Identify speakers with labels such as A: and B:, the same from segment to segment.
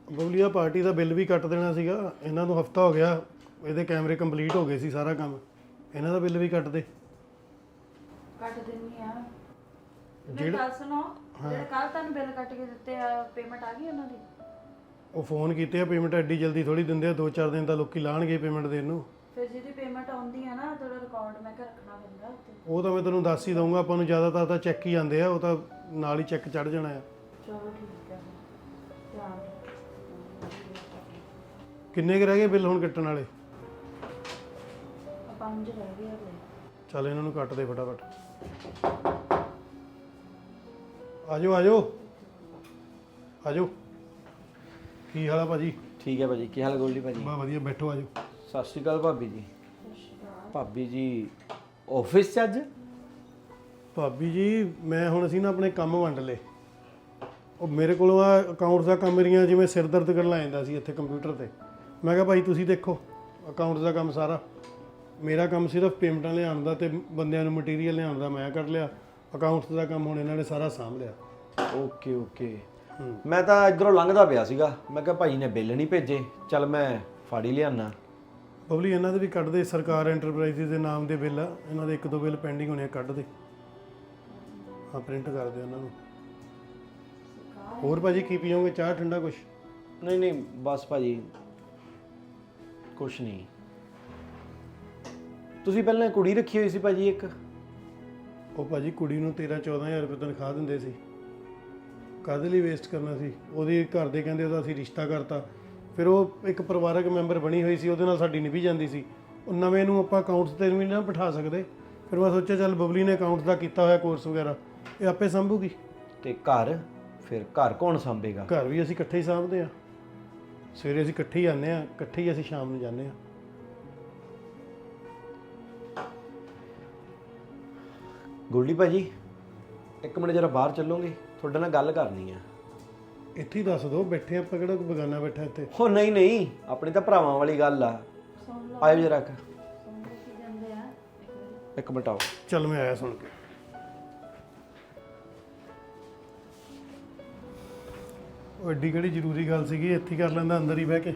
A: ਬਬਲੀਆ party ਦਾ bill ਵੀ ਕੱਟ ਦੇਣਾ ਸੀਗਾ। ਇਹਨਾਂ ਨੂੰ ਹਫਤਾ ਹੋ ਗਿਆ, ਇਹਦੇ ਕੈਮਰੇ ਕੰਪਲੀਟ ਹੋ ਗਏ ਸੀ, ਸਾਰਾ ਕੰਮ। ਇਹਨਾਂ ਦਾ ਬਿੱਲ ਵੀ ਕੱਟ ਦੇ।
B: ਕੱਟ ਦਿੰਨੀ ਆ। ਮੇਰੀ
A: ਜਿਹੜਾ
B: ਗੱਲ ਸੁਣੋ, ਜਿਹੜੇ ਕੱਲ ਤੁਹਾਨੂੰ ਬਿੱਲ ਕੱਟ ਕੇ ਦਿੱਤੇ ਆ, ਪੇਮੈਂਟ ਆ ਗਈ ਉਹਨਾਂ ਦੀ?
A: ਉਹ ਫੋਨ ਕੀਤੇ ਆ, ਪੇਮੈਂਟ ਐਡੀ ਜਲਦੀ ਥੋੜੀ ਦਿੰਦੇ ਆ, 2-4 ਦਿਨ ਤਾਂ ਲੋਕੀ ਲਾਣਗੇ ਪੇਮੈਂਟ ਦੇਣ ਨੂੰ।
B: ਫਿਰ ਜਿਹਦੀ ਪੇਮੈਂਟ ਆਉਂਦੀ ਆ ਨਾ, ਤੁਹਾਡਾ ਰਿਕਾਰਡ ਮੈਂ ਕਿ ਰੱਖਣਾ ਪੈਂਦਾ ਉੱਤੇ।
A: ਉਹ ਤਾਂ ਮੈਂ ਤੈਨੂੰ ਦੱਸ ਹੀ ਦਊਂਗਾ, ਆਪਾਂ ਨੂੰ ਜ਼ਿਆਦਾਤਰ ਤਾਂ ਚੈੱਕ ਹੀ ਆਉਂਦੇ ਆ, ਉਹ ਤਾਂ ਨਾਲ ਹੀ ਚੈੱਕ ਚੜ ਜਾਣਾ ਆ।
B: ਚਲੋ ਠੀਕ ਹੈ, ਧਿਆਨ ਰੱਖੋ।
A: ਕਿੰਨੇ ਕੁ ਰਹਿ ਗਏ ਬਿੱਲ ਹੁਣ ਕੱਟਣ ਵਾਲੇ?
B: 5 ਰਹਿ ਗਏ ਹਲੇ।
A: ਚੱਲ ਇਹਨਾਂ ਨੂੰ ਕੱਟ ਦੇ ਫਟਾਫਟ। ਆਜੋ ਆਜੋ ਆਜੋ। ਕੀ ਹਾਲ ਆ ਭਾਜੀ?
C: ਠੀਕ ਹੈ ਭਾਜੀ। ਕੀ ਹਾਲ ਗੋਲਡੀ ਭਾਜੀ?
A: ਬਾ ਵਧੀਆ, ਬੈਠੋ ਆਜੋ।
C: ਸਤਿ ਸ਼੍ਰੀ ਅਕਾਲ ਭਾਬੀ ਜੀ। ਭਾਬੀ ਜੀ ਆਫਿਸ 'ਚ ਅੱਜ?
A: ਭਾਬੀ ਜੀ ਮੈਂ ਹੁਣ ਅਸੀਂ ਨਾ ਆਪਣੇ ਕੰਮ ਵੰਡ ਲਏ। ਉਹ ਮੇਰੇ ਕੋਲੋਂ ਆ ਅਕਾਊਂਟਸ ਦਾ ਕੰਮ ਮੇਰੀਆਂ ਜਿਵੇਂ ਸਿਰ ਦਰਦ ਕਰਨ ਲੱਗ ਜਾਂਦਾ ਸੀ ਇੱਥੇ ਕੰਪਿਊਟਰ ਤੇ। ਮੈਂ ਕਿਹਾ ਭਾਈ ਤੁਸੀਂ ਦੇਖੋ ਅਕਾਊਂਟਸ ਦਾ ਕੰਮ ਸਾਰਾ। ਮੇਰਾ ਕੰਮ ਸਿਰਫ ਪੇਮੈਂਟਾਂ ਲਿਆਉਣ ਦਾ ਤੇ ਬੰਦਿਆਂ ਨੂੰ ਮਟੀਰੀਅਲ ਲਿਆਉਣ ਦਾ ਮੈਂ ਕਰ ਲਿਆ। ਅਕਾਊਂਟਸ ਦਾ ਕੰਮ ਹੁਣ ਇਹਨਾਂ ਨੇ ਸਾਰਾ ਸਾਂਭ ਲਿਆ।
C: Okay okay. ਮੈਂ ਤਾਂ ਇੱਧਰੋਂ ਲੰਘਦਾ ਪਿਆ ਸੀਗਾ, ਮੈਂ ਕਿਹਾ ਭਾਈ ਨੇ ਬਿੱਲ ਨਹੀਂ ਭੇਜੇ, ਚੱਲ ਮੈਂ ਫੜ ਹੀ ਲਿਆਣਾ।
A: ਬਬਲੀ ਇਹਨਾਂ ਦੇ ਵੀ ਕੱਢ ਦੇ, ਸਰਕਾਰ ਐਂਟਰਪ੍ਰਾਈਜ਼ ਦੇ ਨਾਮ ਦੇ ਬਿੱਲ ਆ, ਇਹਨਾਂ ਦੇ 1-2 ਬਿੱਲ ਪੈਂਡਿੰਗ ਹੋਣੇ ਆ, ਕੱਢ ਦੇ। ਹਾਂ ਪ੍ਰਿੰਟ ਕਰ ਦੇ ਉਹਨਾਂ ਨੂੰ। ਹੋਰ ਭਾਜੀ ਕੀ ਪੀਓਗੇ, ਚਾਹ ਠੰਡਾ ਕੁਛ?
C: ਨਹੀਂ ਨਹੀਂ ਬਸ ਭਾਜੀ ਕੁਛ ਨਹੀਂ। ਤੁਸੀਂ ਪਹਿਲਾਂ ਕੁੜੀ ਰੱਖੀ ਹੋਈ ਸੀ ਭਾਜੀ ਇੱਕ?
A: ਉਹ ਭਾਜੀ ਕੁੜੀ ਨੂੰ 13-14 ਹਜ਼ਾਰ ਰੁਪਏ ਤਨਖਾਹ ਦਿੰਦੇ ਸੀ। ਕਾਹਦੇ ਲਈ ਵੇਸਟ ਕਰਨਾ ਸੀ? ਉਹਦੇ ਘਰ ਦੇ ਕਹਿੰਦੇ ਉਹਦਾ ਅਸੀਂ ਰਿਸ਼ਤਾ ਕਰਤਾ। ਫਿਰ ਉਹ ਇੱਕ ਪਰਿਵਾਰਕ ਮੈਂਬਰ ਬਣੀ ਹੋਈ ਸੀ, ਉਹਦੇ ਨਾਲ ਸਾਡੀ ਨਿਭੀ ਜਾਂਦੀ ਸੀ। ਉਹ ਨਵੇਂ ਨੂੰ ਆਪਾਂ ਅਕਾਊਂਟਸ ਤੇ ਵੀ ਨਾ ਬਿਠਾ ਸਕਦੇ। ਫਿਰ ਮੈਂ ਸੋਚਿਆ ਚੱਲ ਬਬਲੀ ਨੇ ਅਕਾਊਂਟਸ ਦਾ ਕੀਤਾ ਹੋਇਆ ਕੋਰਸ ਵਗੈਰਾ, ਇਹ ਆਪੇ ਸੰਭੂਗੀ।
C: ਤੇ ਘਰ? ਫਿਰ ਘਰ ਕੌਣ ਸੰਭੇਗਾ?
A: ਘਰ ਵੀ ਅਸੀਂ ਇਕੱਠੇ ਹੀ ਸਾਂਭਦੇ ਆ। ਸਵੇਰੇ ਅਸੀਂ ਇਕੱਠੇ ਹੀ ਆਉਂਦੇ ਆ, ਇਕੱਠੇ ਹੀ ਅਸੀਂ ਸ਼ਾਮ ਨੂੰ ਜਾਂਦੇ ਆ।
C: ਗੋਲਡੀ ਭਾਜੀ ਇੱਕ ਮਿੰਟ ਜਰਾ ਬਾਹਰ ਚੱਲੋਗੇ, ਤੁਹਾਡੇ ਨਾਲ ਗੱਲ ਕਰਨੀ ਆ।
A: ਇੱਥੇ ਹੀ ਦੱਸ ਦਿਓ, ਬੈਠੇ ਆਪਾਂ, ਕਿਹੜਾ ਕੋਈ ਬਗਾਨਾ ਬੈਠਾ ਇੱਥੇ।
C: ਹੋ ਨਹੀਂ ਨਹੀਂ, ਆਪਣੀ ਤਾਂ ਭਰਾਵਾਂ ਵਾਲੀ ਗੱਲ ਆ।
B: ਸੁਣ ਲਓ,
C: ਆਇਓ ਜਰਾ ਕੁ।
B: ਸੁਣ ਲਓ ਕੀ ਕਹਿੰਦੇ ਆ।
C: ਇੱਕ ਮਿੰਟ ਆਓ।
A: ਚੱਲ ਮੈਂ ਆਇਆ ਸੁਣ ਕੇ। ਉਹ ਐਡੀ ਕਿਹੜੀ ਜ਼ਰੂਰੀ ਗੱਲ ਸੀਗੀ, ਇੱਥੇ ਹੀ ਕਰ ਲੈਂਦਾ ਅੰਦਰ ਹੀ ਬਹਿ ਕੇ।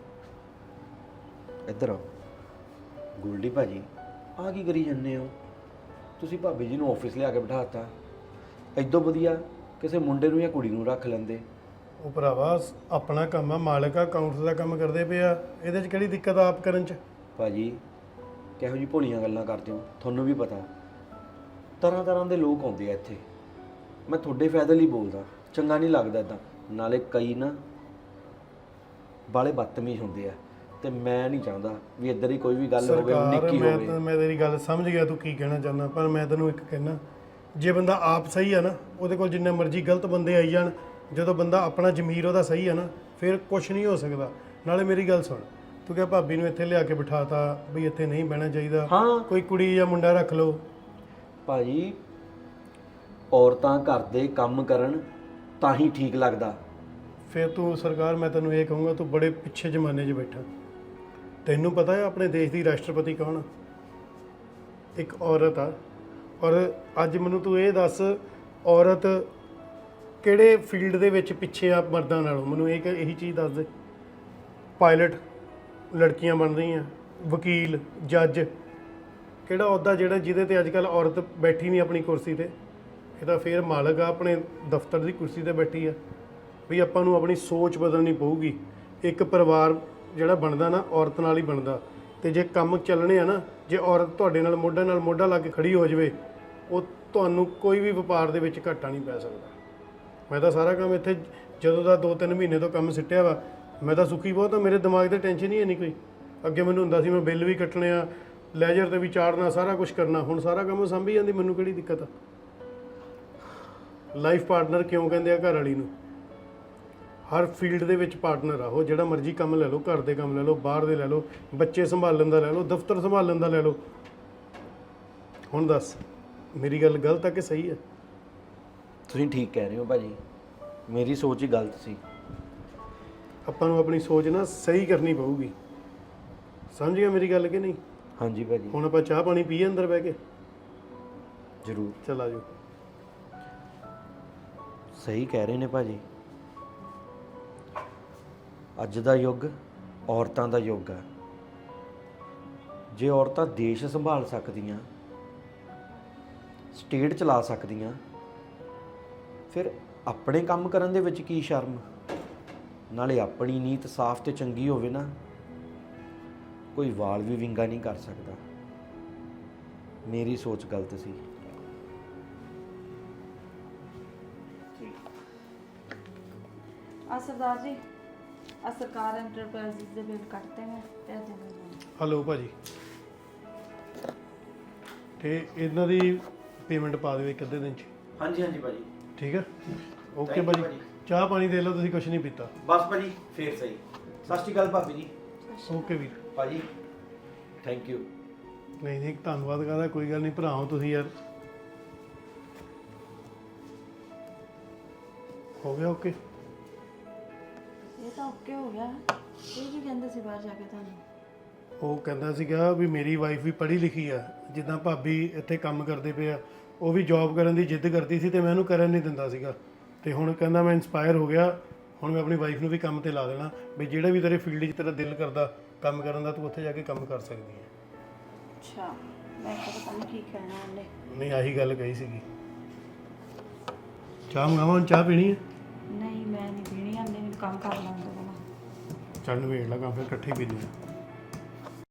C: ਇੱਧਰ ਆਓ। ਗੋਲਡੀ ਭਾਜੀ ਆਹ ਕੀ ਕਰੀ ਜਾਂਦੇ ਹੋ? ਤੁਸੀਂ ਭਾਬੀ ਜੀ ਨੂੰ ਆਫਿਸ ਲਿਆ ਕੇ ਬਿਠਾਤਾ। ਐਦੋਂ ਵਧੀਆ ਕਿਸੇ ਮੁੰਡੇ ਨੂੰ ਜਾਂ ਕੁੜੀ ਨੂੰ ਰੱਖ ਲੈਂਦੇ।
A: ਉਹ ਭਰਾਵਾ ਆਪਣਾ ਕੰਮ ਆ, ਮਾਲਕ ਆ, ਅਕਾਊਂਟਸ ਦਾ ਕੰਮ ਕਰਦੇ ਪਏ ਆ, ਇਹਦੇ 'ਚ ਕਿਹੜੀ ਦਿੱਕਤ ਆ ਆਪ ਕਰਨ 'ਚ?
C: ਭਾਜੀ ਕਿਹੋ ਜਿਹੀ ਭੋਲੀਆਂ ਗੱਲਾਂ ਕਰਦੇ ਹੋ, ਤੁਹਾਨੂੰ ਵੀ ਪਤਾ। ਤਰ੍ਹਾਂ ਤਰ੍ਹਾਂ ਦੇ ਲੋਕ ਆਉਂਦੇ ਆ ਇੱਥੇ। ਮੈਂ ਤੁਹਾਡੇ ਫਾਇਦੇ ਲਈ ਬੋਲਦਾ, ਚੰਗਾ ਨਹੀਂ ਲੱਗਦਾ ਇੱਦਾਂ। ਨਾਲੇ ਕਈ ਨਾ ਬਾਲੇ ਬਦਤਮੀਜ਼ ਹੁੰਦੇ ਆ, ਤੇ ਮੈਂ ਨਹੀਂ ਚਾਹੁੰਦਾ ਵੀ ਇੱਧਰ ਹੀ ਕੋਈ ਵੀ ਗੱਲ ਹੋਵੇ ਨਿੱਕੀ ਹੋਵੇ।
A: ਮੈਂ ਤੇਰੀ ਗੱਲ ਸਮਝ ਗਿਆ ਤੂੰ ਕੀ ਕਹਿਣਾ ਚਾਹੁੰਦਾ, ਪਰ ਮੈਂ ਤੈਨੂੰ ਇੱਕ ਕਹਿਣਾ, ਜੇ ਬੰਦਾ ਆਪ ਸਹੀ ਆ ਨਾ, ਉਹਦੇ ਕੋਲ ਜਿੰਨੇ ਮਰਜ਼ੀ ਗਲਤ ਬੰਦੇ ਆਈ ਜਾਣ, ਜਦੋਂ ਬੰਦਾ ਆਪਣਾ ਜ਼ਮੀਰ ਉਹਦਾ ਸਹੀ ਆ ਨਾ, ਫਿਰ ਕੁਛ ਨਹੀਂ ਹੋ ਸਕਦਾ। ਨਾਲੇ ਮੇਰੀ ਗੱਲ ਸੁਣ, ਤੂੰ ਕਿਹਾ ਭਾਬੀ ਨੂੰ ਇੱਥੇ ਲਿਆ ਕੇ ਬਿਠਾਤਾ ਵੀ ਇੱਥੇ ਨਹੀਂ ਬਹਿਣਾ ਚਾਹੀਦਾ,
C: ਹਾਂ
A: ਕੋਈ ਕੁੜੀ ਜਾਂ ਮੁੰਡਾ ਰੱਖ ਲਓ।
C: ਭਾਜੀ ਔਰਤਾਂ ਘਰ ਦੇ ਕੰਮ ਕਰਨ ਤਾਂ ਹੀ ਠੀਕ ਲੱਗਦਾ।
A: ਫਿਰ ਤੂੰ ਸਰਕਾਰ, ਮੈਂ ਤੈਨੂੰ ਇਹ ਕਹੂੰਗਾ, ਤੂੰ ਬੜੇ ਪਿੱਛੇ ਜ਼ਮਾਨੇ 'ਚ ਬੈਠਾ। ਤੈਨੂੰ ਪਤਾ ਹੈ ਆਪਣੇ ਦੇਸ਼ ਦੀ ਰਾਸ਼ਟਰਪਤੀ ਕੌਣ ਆ? ਇੱਕ ਔਰਤ ਆ। ਔਰ ਅੱਜ ਮੈਨੂੰ ਤੂੰ ਇਹ ਦੱਸ, ਔਰਤ ਕਿਹੜੇ ਫੀਲਡ ਦੇ ਵਿੱਚ ਪਿੱਛੇ ਆ ਮਰਦਾਂ ਨਾਲੋਂ? ਮੈਨੂੰ ਇਹੀ ਚੀਜ਼ ਦੱਸ ਦੇ। ਪਾਇਲਟ ਲੜਕੀਆਂ ਬਣ ਰਹੀਆਂ, ਵਕੀਲ, ਜੱਜ, ਕਿਹੜਾ ਅਹੁਦਾ ਜਿਹਦੇ ਤੇ ਅੱਜ ਕੱਲ੍ਹ ਔਰਤ ਬੈਠੀ ਨਹੀਂ ਆਪਣੀ ਕੁਰਸੀ ਤੇ? ਇਹ ਤਾਂ ਫਿਰ ਮਾਲਕ ਆ, ਆਪਣੇ ਦਫ਼ਤਰ ਦੀ ਕੁਰਸੀ ਤੇ ਬੈਠੀ ਆ। ਵੀ ਆਪਾਂ ਨੂੰ ਆਪਣੀ ਸੋਚ ਬਦਲਣੀ ਪਊਗੀ। ਇੱਕ ਪਰਿਵਾਰ ਜਿਹੜਾ ਬਣਦਾ ਨਾ, ਔਰਤ ਨਾਲ ਹੀ ਬਣਦਾ। ਤੇ ਜੇ ਕੰਮ ਚੱਲਣੇ ਆ ਨਾ, ਜੇ ਔਰਤ ਤੁਹਾਡੇ ਨਾਲ ਮੋਢਾ ਲਾ ਕੇ ਖੜੀ ਹੋ ਜਾਵੇ, ਉਹ ਤੁਹਾਨੂੰ ਕੋਈ ਵੀ ਵਪਾਰ ਦੇ ਵਿੱਚ ਘਾਟਾ ਨਹੀਂ ਪੈ ਸਕਦਾ। ਮੈਂ ਤਾਂ ਸਾਰਾ ਕੰਮ ਇੱਥੇ ਜਦੋਂ ਦਾ 2-3 ਮਹੀਨੇ ਤੋਂ ਕੰਮ ਸਿੱਟਿਆ ਵਾ, ਮੈਂ ਤਾਂ ਸੁਖੀ ਬਹੁਤ ਆ। ਮੇਰੇ ਦਿਮਾਗ ਤੇ ਟੈਨਸ਼ਨ ਹੀ ਨਹੀਂ ਕੋਈ। ਅੱਗੇ ਮੈਨੂੰ ਹੁੰਦਾ ਸੀ ਮੈਂ ਬਿੱਲ ਵੀ ਕੱਟਣੇ ਆ, ਲੈਜਰ ਤੇ ਵੀ ਚਾੜਨਾ, ਸਾਰਾ ਕੁਝ ਕਰਨਾ। ਹੁਣ ਸਾਰਾ ਕੰਮ ਸੰਭੀ ਜਾਂਦੀ, ਮੈਨੂੰ ਕਿਹੜੀ ਦਿੱਕਤ ਆ? ਲਾਈਫ ਪਾਰਟਨਰ ਕਿਉਂ ਕਹਿੰਦੇ ਆ ਘਰ ਵਾਲੀ ਨੂੰ? ਹਰ ਫੀਲਡ ਦੇ ਵਿੱਚ ਪਾਰਟਨਰ ਆ ਉਹ। ਜਿਹੜਾ ਮਰਜ਼ੀ ਕੰਮ ਲੈ ਲਓ, ਘਰ ਦੇ ਕੰਮ ਲੈ ਲਓ, ਬਾਹਰ ਦੇ ਲੈ ਲਓ, ਬੱਚੇ ਸੰਭਾਲਣ ਦਾ ਲੈ ਲਓ, ਦਫ਼ਤਰ ਸੰਭਾਲਣ ਦਾ ਲੈ ਲਓ। ਹੁਣ ਦੱਸ ਮੇਰੀ ਗੱਲ ਗਲਤ ਆ ਕਿ ਸਹੀ ਆ?
C: ਤੁਸੀਂ ਠੀਕ ਕਹਿ ਰਹੇ ਹੋ ਭਾਜੀ, ਮੇਰੀ ਸੋਚ ਹੀ ਗਲਤ ਸੀ।
A: ਆਪਾਂ ਨੂੰ ਆਪਣੀ ਸੋਚ ਨਾ ਸਹੀ ਕਰਨੀ ਪਊਗੀ। ਸਮਝ ਗਿਆ ਮੇਰੀ ਗੱਲ ਕਿ ਨਹੀਂ?
C: ਹਾਂਜੀ ਭਾਜੀ।
A: ਹੁਣ ਆਪਾਂ ਚਾਹ ਪਾਣੀ ਪੀਏ ਅੰਦਰ ਬਹਿ ਕੇ?
C: ਜ਼ਰੂਰ।
A: ਚਲ ਆ ਜਾਓ।
C: ਸਹੀ ਕਹਿ ਰਹੇ ਨੇ ਭਾਜੀ। ਅੱਜ ਦਾ ਯੁੱਗ ਔਰਤਾਂ ਦਾ ਯੁੱਗ ਹੈ। ਜੇ ਔਰਤਾਂ ਦੇਸ਼ ਸੰਭਾਲ ਸਕਦੀਆਂ, ਸਟੇਟ ਚਲਾ ਸਕਦੀਆਂ, ਫਿਰ ਆਪਣੇ ਕੰਮ ਕਰਨ ਦੇ ਵਿੱਚ ਕੀ ਸ਼ਰਮ। ਨਾਲੇ ਆਪਣੀ ਨੀਤ ਸਾਫ਼ ਤੇ ਚੰਗੀ ਹੋਵੇ ਨਾ, ਕੋਈ ਵਾਲ ਵੀ ਵਿੰਗਾ ਨਹੀਂ ਕਰ ਸਕਦਾ। ਮੇਰੀ ਸੋਚ ਗਲਤ ਸੀ।
B: ਆ ਸਰਦਾਰ ਜੀ, ਆ ਸਰਕਾਰ ਐਂਟਰਪ੍ਰਾਈਜ਼ ਦੇ ਬਿੱਲ ਕੱਟਦੇ ਮੈਂ ਤੇ ਅੱਜ ਦੇ
A: ਹਲੋ ਭਾਜੀ, ਤੇ ਇਹਨਾਂ ਦੀ ਪੇਮੈਂਟ ਪਾ ਦਿਓ ਇੱਕ ਅੱਧੇ ਦਿਨ 'ਚ।
C: ਹਾਂਜੀ ਹਾਂਜੀ ਭਾਜੀ,
A: ਠੀਕ ਹੈ, ਓਕੇ
C: Thank you
A: ਭਾਜੀ।
C: ਭਾਜੀ।
A: ਚਾਹ ਪਾਣੀ ਦੇ ਲਓ, ਤੁਸੀਂ ਕੁਛ ਨਹੀਂ ਪੀਤਾ।
C: ਬਸ ਭਾਜੀ ਫੇਰ ਸਹੀ। ਸਤਿ ਸ਼੍ਰੀ ਅਕਾਲ ਭਾਬੀ ਜੀ।
A: ਓਕੇ ਵੀਰ।
C: ਭਾਜੀ ਥੈਂਕ ਯੂ।
A: ਨਹੀਂ ਨਹੀਂ, ਧੰਨਵਾਦ ਕਰਦਾ, ਕੋਈ ਗੱਲ ਨਹੀਂ, ਭਰਾ ਹੋ ਤੁਸੀਂ ਯਾਰ। ਹੋ ਗਿਆ ਓਕੇ।
B: ਇਹ ਤਾਂ ਓਕੇ ਹੋ ਗਿਆ। ਇਹ ਕੀ ਕਹਿੰਦੇ ਸੀ ਬਾਹਰ ਜਾ ਕੇ ਤੁਹਾਨੂੰ?
A: ਉਹ ਕਹਿੰਦਾ ਸੀਗਾ ਵੀ ਮੇਰੀ ਵਾਈਫ ਵੀ ਪੜ੍ਹੀ ਲਿਖੀ ਆ, ਜਿੱਦਾਂ ਭਾਬੀ ਇੱਥੇ ਕੰਮ ਕਰਦੇ ਪਏ ਆ, ਉਹ ਵੀ ਜੌਬ ਕਰਨ ਦੀ ਜਿੱਦ ਕਰਦੀ ਸੀ ਤੇ ਮੈਂ ਉਹਨੂੰ ਕਰਨ ਨਹੀਂ ਦਿੰਦਾ ਸੀਗਾ। ਤੇ ਹੁਣ ਕਹਿੰਦਾ ਮੈਂ ਇੰਸਪਾਇਰ ਹੋ ਗਿਆ, ਹੁਣ ਮੈਂ ਆਪਣੀ ਵਾਈਫ ਨੂੰ ਵੀ ਕੰਮ ਤੇ ਲਾ ਦੇਣਾ, ਵੀ ਜਿਹੜਾ ਵੀ ਤੇਰੇ ਫੀਲਡ 'ਚ ਤੇਰਾ ਦਿਲ ਕਰਦਾ ਕੰਮ ਕਰਨ ਦਾ, ਤੂੰ ਉੱਥੇ ਜਾ ਕੇ ਕੰਮ ਕਰ ਸਕਦੀ ਹੈ।
B: ਅੱਛਾ, ਮੈਂ ਤਾਂ ਪਤਾ ਨਹੀਂ ਕੀ ਕਹਿਣਾ ਉਹਨੇ।
A: ਨਹੀਂ, ਆਹੀ ਗੱਲ ਕਹੀ ਸੀਗੀ। ਚਾਹ ਮੰਗਾਵਾਂ? ਹੁਣ ਚਾਹ ਪੀਣੀ ਹੈ?
B: ਨਹੀਂ, ਮੈਂ ਨਹੀਂ ਪੀਣੀ, ਆਂਦੇ ਮੈਨੂੰ ਕੰਮ ਕਰ ਲਾਂ ਉਹਦੇ ਕੋਲ।
A: ਚੱਲ ਨਵੇੜ ਲਾ ਕੰਮ, ਫਿਰ ਇਕੱਠੇ ਹੀ ਪੀਂਦੇ ਹਾਂ।